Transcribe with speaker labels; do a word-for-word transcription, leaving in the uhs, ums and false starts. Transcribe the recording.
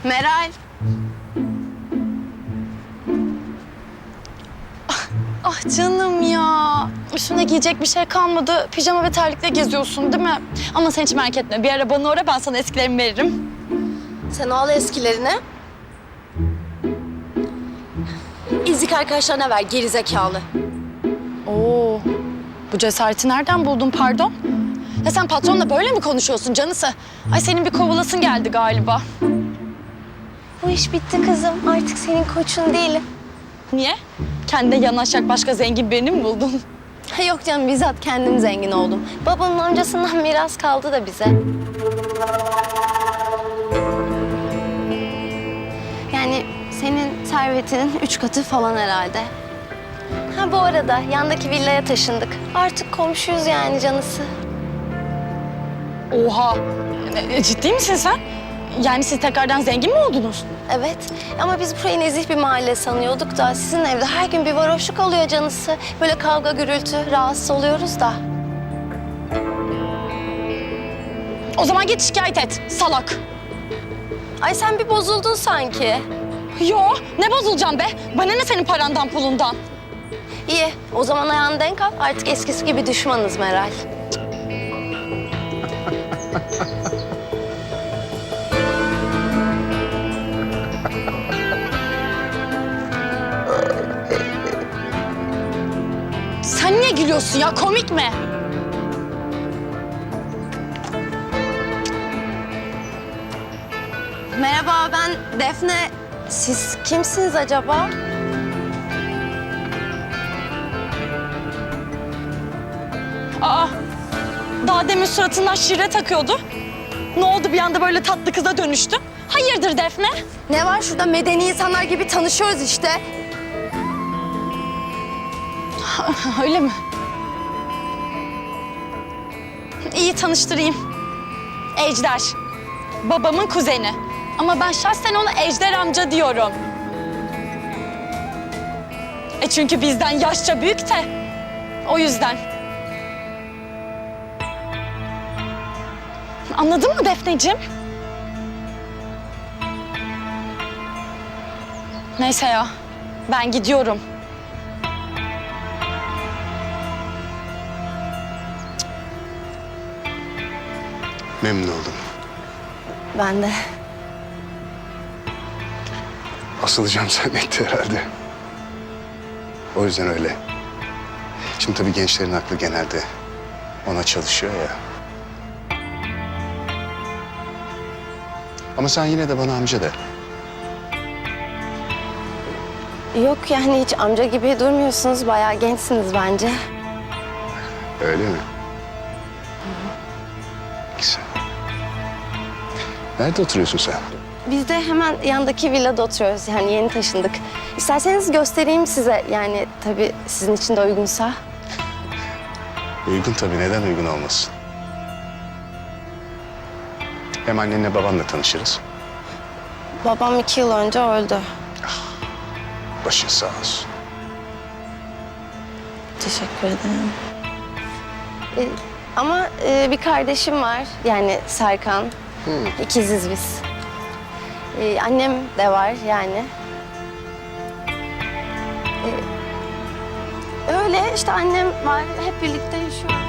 Speaker 1: Meral.
Speaker 2: Ah canım ya. Üstüne giyecek bir şey kalmadı. Pijama ve terlikle geziyorsun değil mi? Ama sen hiç merak etme. Bir ara bana uğra, ben sana eskilerimi veririm.
Speaker 1: Sen al eskilerini. İzik arkadaşlarına ver gerizekalı.
Speaker 2: Oo. Bu cesareti nereden buldun pardon? Ya sen patronla böyle mi konuşuyorsun canısı? Ay senin bir kovulasın geldi galiba.
Speaker 1: Bu iş bitti kızım. Artık senin koçun değilim.
Speaker 2: Niye? Kendine yanaşacak başka zengin birini mi buldun?
Speaker 1: Ha yok canım, bizzat kendim zengin oldum. Babamın amcasından miras kaldı da bize. Yani senin servetinin üç katı falan herhalde. Ha bu arada yandaki villaya taşındık. Artık komşuyuz yani canısı.
Speaker 2: Oha! E, ciddi misin sen? Yani siz tekrardan zengin mi oldunuz?
Speaker 1: Evet ama biz burayı nezih bir mahalle sanıyorduk da sizin evde her gün bir varoşluk oluyor canısı. Böyle kavga gürültü, rahatsız oluyoruz da.
Speaker 2: O zaman git şikayet et, salak.
Speaker 1: Ay sen bir bozuldun sanki.
Speaker 2: Yo, ne bozulacağım be? Bana ne senin parandan pulundan?
Speaker 1: İyi, o zaman ayağını denk al. Artık eskisi gibi düşmanız Meral.
Speaker 2: Sen niye gülüyorsun ya? Komik mi?
Speaker 1: Merhaba, ben Defne. Siz kimsiniz acaba?
Speaker 2: Aa, daha demin suratından şire takıyordu. Ne oldu bir anda böyle tatlı kıza dönüştü? Hayırdır Defne?
Speaker 1: Ne var şurada, medeni insanlar gibi tanışıyoruz işte.
Speaker 2: Öyle mi? İyi tanıştırayım. Ejder. Babamın kuzeni. Ama ben şahsen ona Ejder amca diyorum. E çünkü bizden yaşça büyük de. O yüzden. Anladın mı Defneciğim? Neyse ya. Ben gidiyorum.
Speaker 3: Memnun oldum.
Speaker 1: Ben de.
Speaker 3: Asılacağım zannetti herhalde. O yüzden öyle. Şimdi tabii gençlerin aklı genelde ona çalışıyor ya. Ama sen yine de bana amca de.
Speaker 1: Yok yani hiç amca gibi durmuyorsunuz. Bayağı gençsiniz bence.
Speaker 3: Öyle mi? Güzel. Nerede oturuyorsun sen?
Speaker 1: Biz de hemen yandaki villada oturuyoruz. Yani yeni taşındık. İsterseniz göstereyim size. Yani tabii sizin için de uygunsa.
Speaker 3: Uygun tabii. Neden uygun olmasın? Hem annenle babanla tanışırız.
Speaker 1: Babam iki yıl önce öldü.
Speaker 3: Başın sağ olsun.
Speaker 1: Teşekkür ederim. Ee, ama e, bir kardeşim var. Yani Serkan.
Speaker 3: Hı.
Speaker 1: İkiziz biz. Ee, annem de var yani. Ee, öyle işte annem var. Hep birlikte yaşıyoruz.